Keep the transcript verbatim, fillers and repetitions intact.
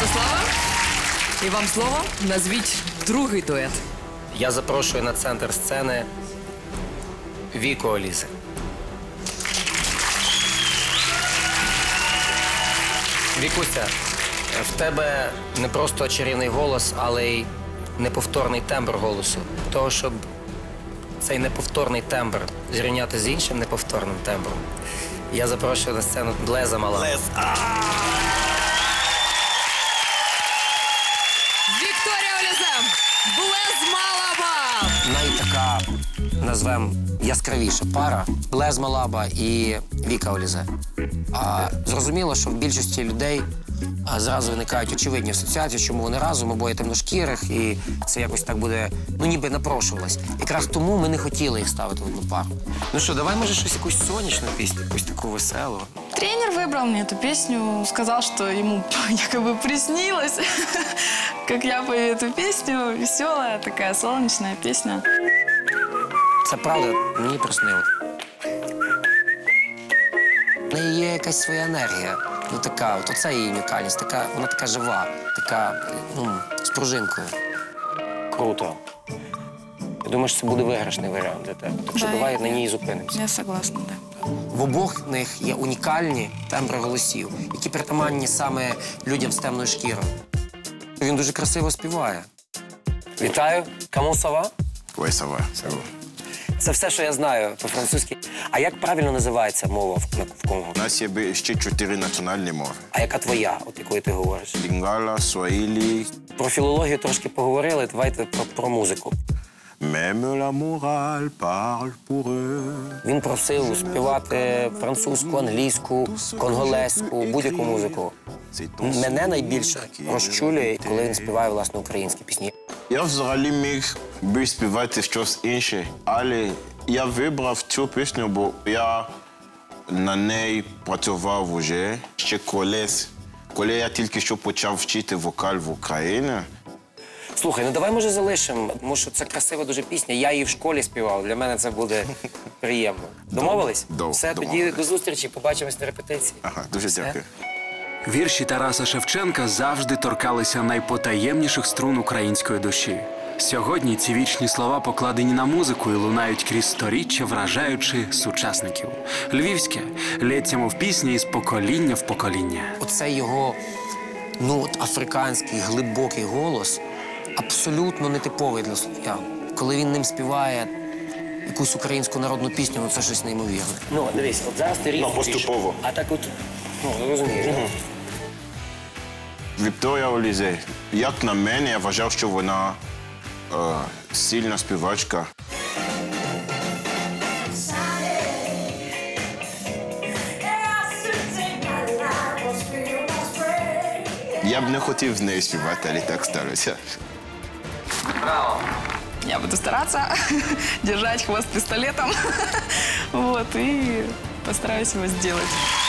Святослава. І вам слово. Назвіть другий дует. Я запрошую на центр сцени Віку Олізи. Вікуся, в тебе не просто чарівний голос, але й неповторний тембр голосу. Того, щоб цей неповторний тембр зрівняти з іншим неповторним тембром, я запрошую на сцену Блеза Малабу. Вікторія Оліза, Блез Малаба. Найтака, назвемо, яскравіша пара – Блез Малаба і Віка Олізе. А, зрозуміло, що в більшості людей а, зразу виникають очевидні асоціації, чому вони разом, обоє темношкірих, і це якось так буде, ну ніби напрошувалось. Якраз тому ми не хотіли їх ставити в одну пару. Ну що, давай, може, щось якусь сонячну пісню, якусь таку веселу. Тренер выбрал мне эту песню, сказал, что ему якобы приснилось, как я пою эту песню. Веселая такая солнечная песня. Це правда, мені приснилось. В неї є якась своя енергія. Ну така, от оце її унікальність, така, вона така жива, така, ну, з пружинкою. Круто. Я думаю, що це буде виграшний варіант для тебе. Так що Да, давай я- на ній зупинимося. Я согласна, да. В обох них є унікальні тембри голосів, які притаманні саме людям з темною шкірою. Він дуже красиво співає. Вітаю. Comment ça va? Ouais, ça va, ça va. Це все, що я знаю по-французьки. А як правильно називається мова в, в Конго? У нас є ще чотири національні мови. А яка твоя, от якою ти говориш? Лінгала, суаїлі. Про філологію трошки поговорили, давайте про, про музику. Même la morale parle pour eux. Він просив співати французьку, англійську, конголезьку, будь-яку музику. Мене найбільше розчулює, коли він співає, власне, українські пісні. Я взагалі міг би співати щось інше, але я вибрав цю пісню, бо я на неї працював уже ще колись, коли я тільки що почав вчити вокал в Україні. Слухай, ну давай, може, залишимо, тому що це красива дуже пісня. Я її в школі співав, для мене це буде приємно. Домовились? Дом- Все, тоді домовились. до зустрічі, побачимось на репетиції. Ага, дуже Все. дякую. Вірші Тараса Шевченка завжди торкалися найпотаємніших струн української душі. Сьогодні ці вічні слова покладені на музику і лунають крізь сторіччя, вражаючи сучасників. Львівське лється, мов пісня із покоління в покоління. Оцей його, ну, от африканський, глибокий голос абсолютно нетиповий для слов'ян. Коли він ним співає якусь українську народну пісню, ну це щось неймовірне. Ну, дивись, от зараз ти різно. Ну, поступово. А так от, ну, розумієш. Вікторія Олізе, як на мене, я вважав, що вона е, сильна співачка. Я б не хотів з нею співати, але так сталося. Я буду стараться держать хвост пистолетом. Вот, и постараюсь его сделать.